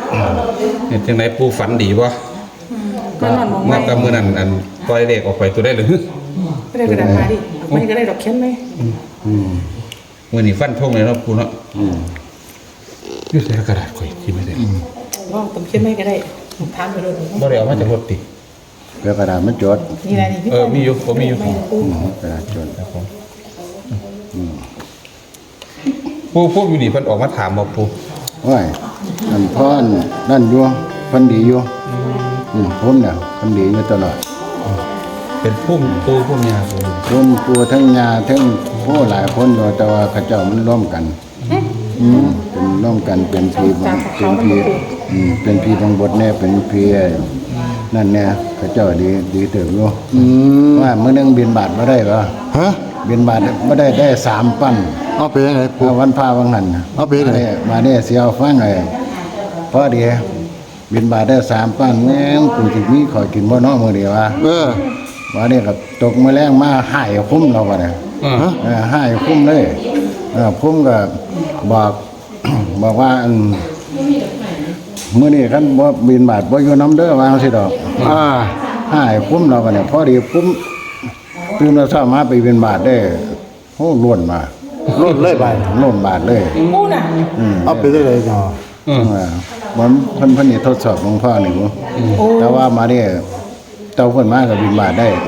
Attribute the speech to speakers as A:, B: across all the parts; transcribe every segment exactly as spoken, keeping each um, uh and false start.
A: เห็นจังไหนปูฝันดีบ่ก็นับกับมือนั่นอันปล่อยเลขออกไปตัวได้หรือ
B: ก็ได้กระดาษมาดิมันก็ได้ดอกเข็มไหม
A: อืมมือนี่ฟันทงเลยเนาะปูเนาะอืมยืดใส่กระดาษข่อยที่ไม่ได้
B: ว่าต้มเข็มไม่ก็ได้ผมทานไปเลย
A: บ่ได้เอามาจากรถติ
C: เพื่อกระดาษมันจด
B: นี่อะไรนี่
A: เออมีอยู่ผมมีอยู่
C: กระดาษจด
A: ครับผมปูปูอยู่นี่เพิ่นออกมาถามบ่ปู
C: ว่านั่นพ่อนั่นอยู่เพิ่นดีอยู่อืมผมเนี่ยเพิ่นดีอยู่ตลอด
A: เป็นพุ่มปูพุ่มยาปู
C: พุ่มปูทั้งยาทั้งผู้หลายคนอยู่แต่ว่าเขาเจ้ามันร่วมกันอืมเป็นร่วมกันเป็นพีเป็นพีอืมเป็นพีบางบทแน่เป็นพีนั่นเนี่ยเขาเจ้าดีดีเติบอยู่ว่ามื้อนึงบินบาทบ่ได้บ่ฮะบินบาทบ่ได้ได้สามปั้น
D: เอาไปยังไง
C: ปูวันพาวังหัน
D: เอาไปยังไง
C: มาเนี่ยเสียวฟังเลยพอดีบินบาทได้สามปั้นแม่งกูสิมีขอกินบ่น้อมื้อเดียวว่า
D: เออ
C: ว่าเนี่ยก็ตกมื้อแรงมาหายคุ้มเราบ่เนี่ยเออหายคุ้มเลยเออคุ้มก็บอกบอกว่าอันมื้อนี้คันบ่บินบาทบ่อยู่น้ำเด้อวางสิดอกอ่าหายคุ้มเราบ่เนี่ยพอดีคุ้มตื่นแล้วเช้ามาไปบินบาทได้โอ้ล้วนมา
D: ล้นเลยไป
C: ล้นบาทเลย
B: ปูน่ะ
D: เอาไปได้เลยเนาะ
C: อืมเหมือนเพิ่นเพิ่นนี่ทดสอบหลวงพ่อนี่บ่แต่ว่ามาเนี่ยเจ้าเพิ่นมาก็บินบาทได้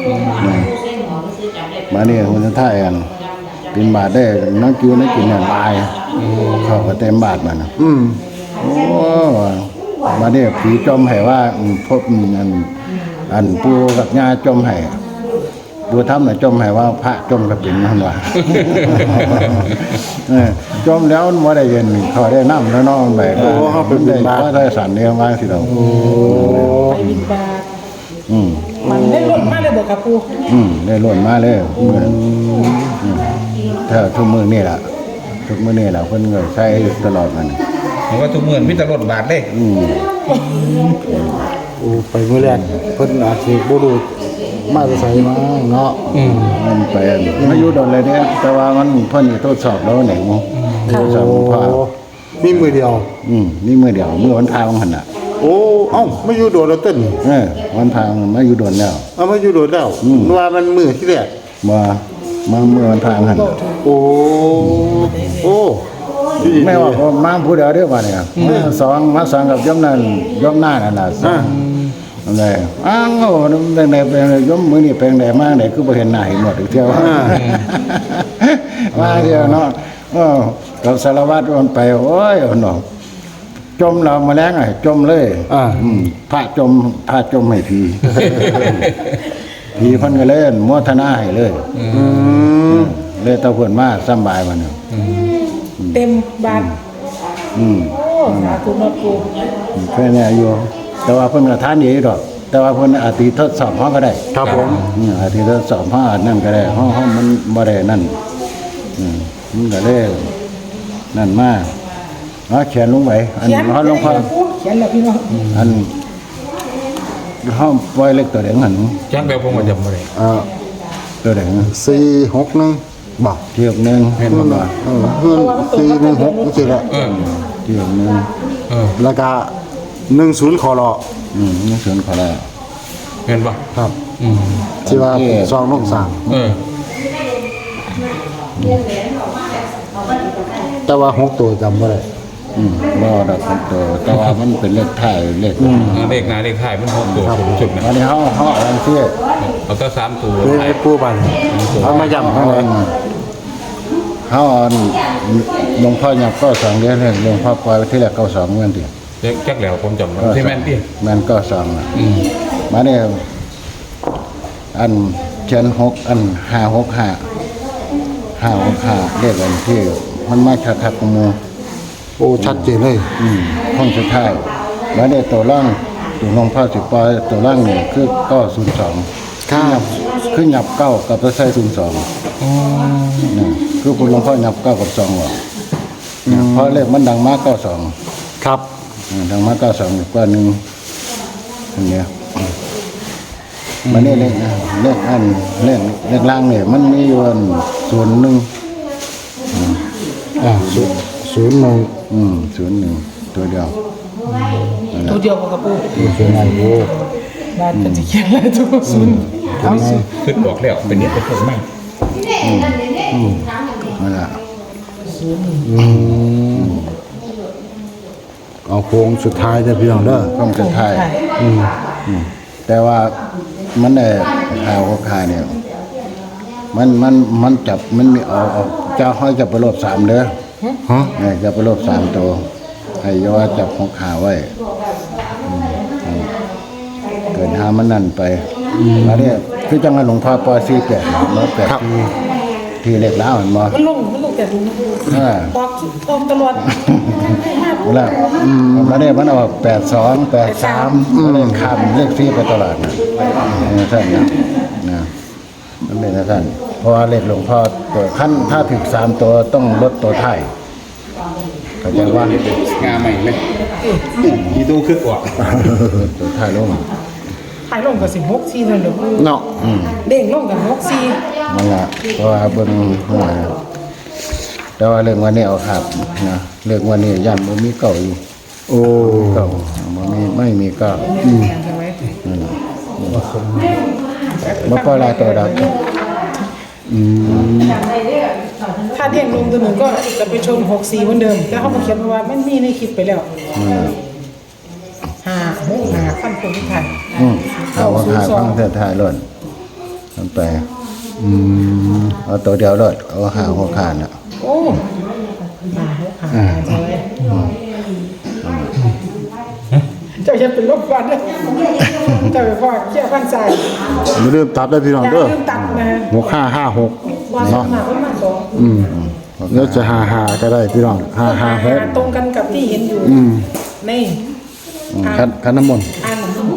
C: มาเนี่ยคนท้ายอันบินบาทได้นักอยู่นักกินเนี่ยลายเข้าก็เต็มบาทมัน
D: อืม
C: โอ้มาเนี่ยผีจมให้ว่าพบอันอันปู่กับย่าจมให้ดูทำน่ะจมให้ว่าพระจมก็เป็นนั่นว่าเออจมแล้วบ่ได้เย็นเขาได้น้ำแล้วน้องไปก็เฮาเป็นบาทได้สันเนี่ยมาสิเราโอ้
B: ไปบินบาท
C: อืม
B: มันได้ล้นมาเลยบ่ครับปู่
C: อืมได้ล้นมาเลยมื้อถ้าทุกมื้อนี่ล่ะทุกมื้อนี่ล่ะเพิ่นก็ใช้ตลอดมัน
A: เห็นว่าทุกมื้อมีแต่รถบาทเด้
C: อืม
D: โอ้ไปมื้อแรกเพิ่นอาจสิบ่รู้มาจะใส่มาเนาะ
C: อืมมันไปมาอยู่โดนเลยเนี่ยแต่ว่ามันเพิ่นทดสอบแล้วไหนมั้งทดสอบพ่อ
D: มีมือเดียว
C: อืมนี่มือเดียวมือวันพาของหันน่ะ
D: โอ้เอ้าไม่อยู่โดนแล้วเต้น
C: เออวันพามาอยู่โดนแล้ว
D: เอามาอยู่โดนแล้วว่ามันมือที่แรก
C: มามาเมื่อวันพาหัน
D: โอ้โอ้
C: ไม่ว่ามาผู้เดียวเด้อว่าเนี่ยมาสองมาสองกับย่อมนั่นย่อมหน้านั่นน่ะอะไรอ้าวเป็นไหนเป็นย่อมมือนี่เป็นไหนมากไหนคือบ่เห็นหน้าเห็นหมดอีกเที่ยวมาเที่ยวเนาะเออกับสารวัตรมันไปโอ้ยเนาะจมเรามาแล้วไงจมเลย
D: อ่า
C: พระจมพระจมให้ผีผีเพิ่นก็เล่นโมทนาให้เลย
D: อืม
C: เลยตะเพิ่นมาสบายมันเนาะ
B: เต็มบาท
C: อืม
B: โอ้สาธุนะปู่
C: แค่นี้อยู่แต่ว่าเพิ่นก็ทานดีดอกแต่ว่าเพิ่นอาจสิทดสอบเฮาก็ได้
D: ครับผม
C: อืมอาจสิทดสอบเฮาอันนั้นก็ได้เฮาเฮามันบ่ได้นั่นอืมมันก็เลยนั่นมาเนาะเขียนลงไว้อันเฮาลงพอ
B: เขียนแล้วพี่น้อง
C: อันเฮาปล่อยเล็กตัวเด้งหั่น
A: จักแล้วผมก็จำบ่ได้
C: อ่าตัวเด้ง
D: สี่หกหนึ่งบ่
C: เที่ยวนึง
A: เห็นบ่ว่า
D: เออเฮือนสี่หนึ่งหกจังซี่แหละ
A: เออ
C: เที่ยวนึง
A: เออ
D: แล้วก็หนึ่งศูนย์คอรอ
C: อืมนี่ศูนย์ขอแล้ว
A: เห็นบ่
D: ครับอืมที่ว่าซองนกสาม
A: เออ
D: แต่ว่าหกตัวจำบ่ได้
C: อืมบ่ดอกตัวแต่ว่ามันเป็นเลขท้ายเลข
A: เลขหน้าเลขท้ายมันหกตัวสุดนะ
C: อันนี้เฮาเฮาอันเสีย
A: เอาแต่สามตัว
D: ไอ้ปูบันเอามาย่ำเฮา
C: เฮาอันหลวงพ่อยับก็สองเดือนหลวงพ่อปล่อยที่แรกเก้าสองเหมือนติ
A: เด็กจักแล้วผมจำได้ที่แม่นติ
C: แม่นก็สองอ่ะอืมมาเนี่ยอันเขียนหกอันห้าหกห้าห้าหกห้าเลขอันที่มันมาชัดๆของหมู่
D: โอ้ชัดเจนเลย
C: อืมห้องสุดท้ายมาเนี่ยตัวล่างตัวหลวงพ่อสิปล่อยตัวล่างนี่คือเก้าศูนย์สอง
D: ครับ
C: คือหยับเก้ากับตัวใส่ศูนย์สองอ๋อนี่คือคุณหลวงพ่อหยับเก้ากับสองว่ะเพราะเลขมันดังมากเก้าสอง
D: ครับ
C: ดังมากเก้าสองกว่าหนึ่งอันเนี้ยมันนี่เลขเลขอันเลขเลขล่างเนี่ยมันมีอยู่ศูนย์หนึ่ง
D: อ่าศูนย์ศูนย์หนึ่ง
C: อืมศูนย์หนึ่งตัวเดียว
B: ตัวเดียวกับกระปู
D: ดูเสียงไงดู
B: บ้านเป็นสิเขียนอะไรทุกศูนย์เอาศูนย์
A: ขึ้นบอกแล้วเป็นเนี่ยเป็นคนมาก
C: นั่นแหละ
D: อืมเอาโค้งสุดท้ายเด้อพี่น้องเด้อ
C: ต้องจะทาย
D: อืม
C: แต่ว่ามันได้ข่าวขายเนี่ยมันมันมันจับมันมีเอาเอาเจ้าห้อยจับไปรอบสามเด้อ
D: ฮะ
C: เนี่ยจับไปรอบสามตัวให้อยาว่าจับของขาไว้อืมอืมเกิดหามันนั่นไปแล้วเนี่ยคือจังหวัดหลวงพ่อปอซีแปดร้อยแปดที่ที่เล็กแล้วเห็นบ่
B: มันลงมันลงแต่ดูนะปู
C: อ่า
B: ออกออกตลอด
C: เวลาแล้วเนี่ยมันออกแปดสองแปดสามเลขคำเลขซีไปตลอดนะเออท่านนะนะมันเป็นท่านเพราะว่าเลขหลวงพ่อตัวขั้นถ้าถึงสามตัวต้องลดตัวไทายเข้าใจว่า
A: งาใหม่เลยอีตู้ขึ้นออก
C: ตัวไทายลง
B: ถ่ายลงกับสิบหกสี่นั่นเดี๋ยวปู
D: เนาะ
B: เด้งลงกับหกสี่
C: นั่นแหละเพราะว่าเบิ่งหัวแต่ว่าเรื่องวันนี้เอาขับนะเรื่องวันนี้ยันมันมีเก่าอยู่
D: โอ้
C: เก่ามันมีไม่มีเก่า
B: ใช่ไหม
C: นั่นแหละบ่ปล่อยลายตัวดับ
B: ถ้าเด้งลงตัวหนึ่งก็จะไปชนหกสี่เหมือนเดิมแล้วเขามาเขียนว่ามันมีในคลิปไปแล้ว
C: นั่นแหละ
B: ห้าหกห้าขั้นคนที่ไทย
C: อืมเอาว่าขายฟังเส้นทายรถมันไปอืมเอาตัวเดียวรถเอาหาหัวขาดน่ะ
B: โอ้ห้าหกห้าใช่ไหมเจ้าจะเป็นลบฟันเลยเจ้าไปพ่อเขี้ยวฟันใส่
D: ไม่ลืมตัดได้อพี่น้อง
B: อย่า
D: เด้อ
B: ลืมตัดนะ
D: หกห้าห้าหก
B: ว่าสอง
D: เนาะ
B: หาประมาณสอง
D: อืมแล้วจะหาหาก็ได้พี่น้องหาหาหก
B: ตรงกันกับที่เห็นอยู่ในอ่า
D: คันคันน้ำมนต์
B: อ่าน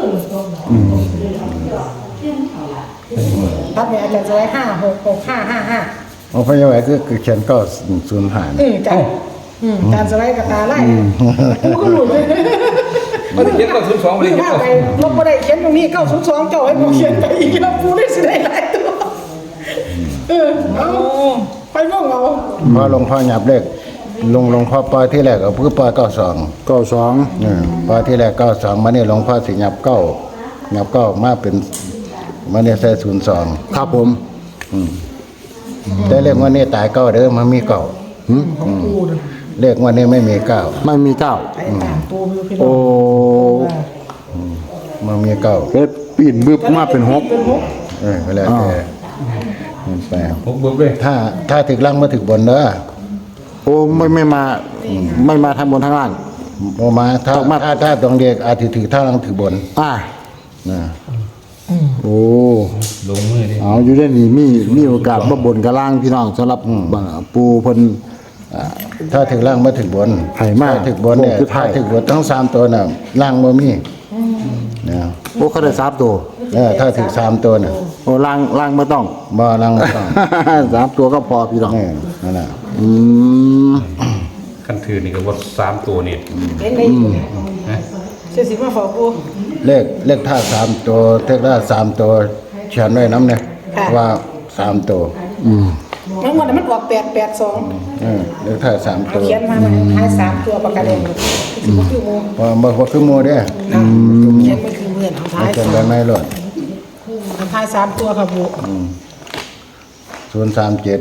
B: ตัดไปอาจารย์จะไว้ห้าหกหกห้าห้าห้า
C: เอาพยาไว้คือคือเขียนก็ศูนย์หาย
B: อืมจานอืมจานสไลด์กับตาไล่กูก็หลุดเลย
A: มันเขียนก็ศูนย์สองเลย
B: คือ
A: เขียน
B: ว่า
A: ก็
B: ไปลบมาได้เขียนตรงนี้เก้าศูนย์สองเจ้าให้ผมเขียนไปอีกแล้วกูได้สิได้หลายตัวเออเอาไปม่องเอา
C: พอหลวงพ่อหยับเลขลงหลวงพ่อปล่อยที่แรกก็คือปล่อยเก้าสอง
D: เก้าสอง
C: อืมปล่อยที่แรกเก้าสองมาเนี่ยหลวงพ่อสิหยับเก้าหยับเก้ามาเป็นมาเนี่ยใส่ศูนย์สอง
D: ครับผม
C: แต่เลขวันนี้ตายเก้าเด้อมันมีเก้า
B: ของกูนะ
C: เลขวันนี้ไม่มีเก้า
D: ไม่มีเก้า
B: ไอ้ตามตัวพี่พี่น้
D: โอ้
B: อง
C: มันมีเก้า
D: เฮ็ดปีนบึบมาเป็นหก
B: เป็นหก
C: เออก็แล้วแต่มันแปล
A: ผมเบิกเลย
C: ถ้าถ้าถึกล่างมาถึกบนเด้อ
D: โอ้ไม่ไม่มาไม่มาทางบนทางล่าง
C: โมมาถ้า
D: ต้องมา
C: ถ้าถ้าตรงเด็กอาจจะถือถ้าล่างถือบน
D: อ่า
C: นะ
D: โอ้
A: ลงมือดิ
D: เอาอยู่ได้นี่มีมีโอกาสบ่บนกับล่างพี่น้องสำหรับบ่ปูเพิ่น
C: ถ้าถึกล่างมาถึกบน
D: ให้มา
C: ถ้ถึกบนเนี่ย
D: โค้งสุดท้า
C: ถ้าย ถึกบนทั้งสามตัวน่ะล่างบ่มีนะ
D: โอ้เขาได้สามตัว
C: เออถ้าถึกสามตัวน่ะ
D: โอ้ล่างล่างไม่ต้อง
C: บ่ล่างบ่ต้อง
D: สามตัวก็พอพี่น้อง
C: เออนั่นน่ะ
D: อืม
A: ขั้นถือนี่ก็ว่าสามตัวนี่
B: เล่นได้อยู่เนี่ยเสียสิมาฝากกู
C: เลขเลขถ้าสามตัวเลขถ้าสามตัวเขียนไว้น้ำเนี่ย
B: ค่ะ
C: ว่าสามตัว
D: อืม
B: ทั้งหมดมันออกแปดแปดสอง
C: เออเลขถ้าสามตัว
B: เขียนมามันท้ายสามตัวประกันเองสิบหกชั่วโมง
C: บ่บ่บ่คือหมู่เด้อ
B: นะเขียนมันคือเมื่อนท้า
C: ไม่
B: ย
C: เขียน
B: สา
C: ไว้
B: ม
C: ไม่หลด
B: ท้ายสามตัวครับบุ
C: ศูนย์สามเจ็ด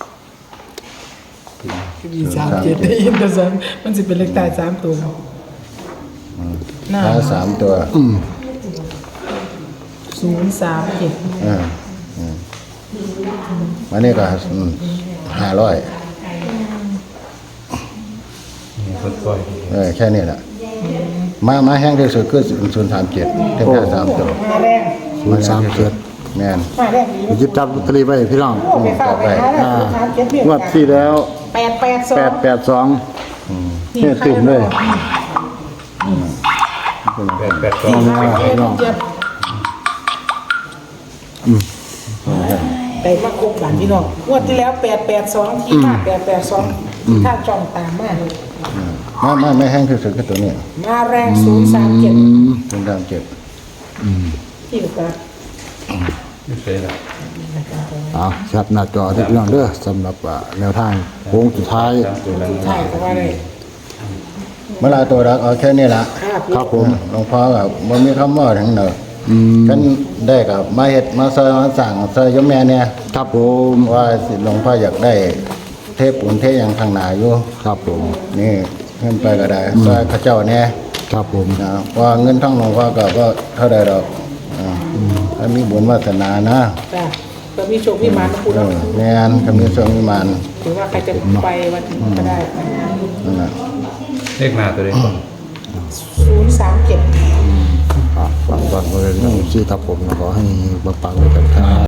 B: สามเจ็ดได้ยินแต่สามมันสิเป็นเลขตายสามตัวน่า
C: ถ้าสามตัว
B: ศูนย์สามเจ็ด
C: เออเออวันนี้ก็ห้าร้อย
A: นี่เพิ่นก้อย
C: เออแค่นี้แหละมามาแห้งที่สุดคือศูนย์สามเจ็ดเท่ากับสามตัว
B: มาแรง
D: ศูนย์สามเจ็ด
C: แม่น
B: มาแรงดี
D: หยิบจับลอตเตอรี่ไว้พี่น้อง
B: โอ้ไปฝากไปหาแล้ว
D: อ่า
B: ศูนย์สามเจ็ดเนี่ย
D: งวดที่แล้ว
B: แปดแปดสอ
D: แป
B: ง
D: ดแปดสองเนี่ยติ่มเลย
A: แปดแปดสอ
B: สี่
A: ง
B: ห้าเจ็ดเจ็ดแต่มาครบหลานพี่น้องงวดที่แล้วแปดแปดสองที่มาแปดแปดสองที่ท่าจอมตามมา
C: มามาไม่แห้งที่สุดคือตัวนี้
B: มาแรงศูนย์สามเจ็ด
C: ศูนย์สามเจ็ด
B: ที่อยู่กับ
A: ไม่เคยละ
D: เอาครับหน้าจอที่พี่น้องเด้อสำหรับอ่าแนวทางโค้งสุดท้าย
A: ตัวละ
B: ใช่เพราะว่าอะไร
C: เมื่อไรตัวรักเอาแค่นี้ละ
B: ค่ะปู
D: ครับผม
C: หลวงพ่อกับบ่มีคำว่าทั้งเด้อ
D: อืม
C: กันได้กับมาเฮ็ดมาซอยมาสั่งซอยยมแม่เนี่ย
D: ครับผม
C: ว่าสิหลวงพ่ออยากได้เทพปุ่นเทพอย่างข้างหน้าอยู่
D: ครับผม
C: นี่เงินไปก็ได้ซอยพระเจ้าเนี่ย
D: ครับผม
C: นะว่าเงินทั้งหลวงพ่อก็ก็เท่าใดดอกอ่าถ้ามีบุญวาสนานะ
B: จ้ะก็มีโชคมีหมานนะปู
C: เอ
B: เนาะ
C: อแม่นก็มีสวงมีมาน
B: ถือว่าใครจะไปวันนี้ก็ได้
C: นั่นน่ะ
A: เลขหน้าตัวเด็ก
B: ศูนย์สามเจ็ด
D: อ่ะฟังฟังเลยนะที่ครับผมขอให้ปังๆเลยกันครับ